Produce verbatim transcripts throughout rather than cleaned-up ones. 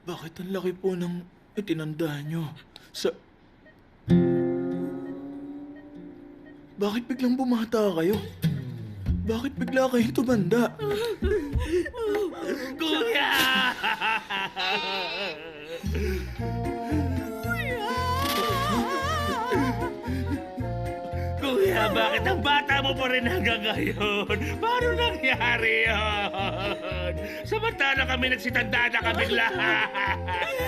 Bakit ang laki po ng itinanda nyo? Sa... Bakit biglang bumata kayo? Bakit bigla kayong tumanda? Kuya! Kuya, bakit ang bata mo pa rin hanggang ngayon? Paano nangyari yun? Samantala kami nagsitanda na kaming lahat.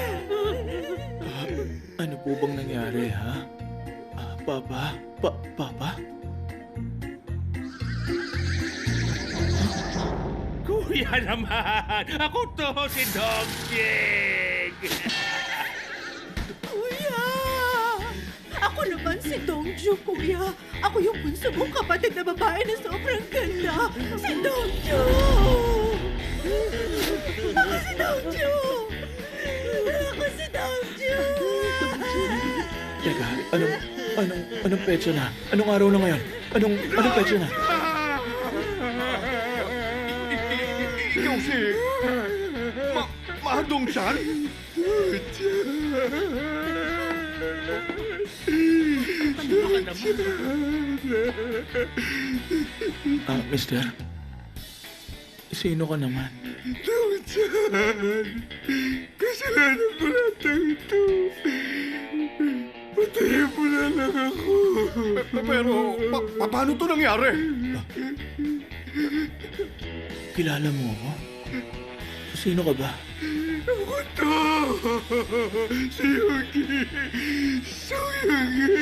Ano po bang nangyari, ha? Ah, Papa? Pa Papa? Kuya naman! Ako to, si Dong Jing! Kuya! Ako naman si Dongju, kuya. Ako yung bunso mong kapatid na babae na sobrang ganda. Si Dongju! Ako si Dongju! Ako si Dongju! Teka, anong... Anong... Anong petsa na? Anong araw na ngayon? Anong... Anong petsa na? Ikaw si... Ma... Mahadong-san? Ah, mister? Sino ka naman? Dong-san! Kasalanan ko lahat ng ito. Patayin mo na lang ako. Pero, pa pa- paano to nangyari? Kilala mo ako? Sino ka ba? Ako to! Si Yugi! So Yugi!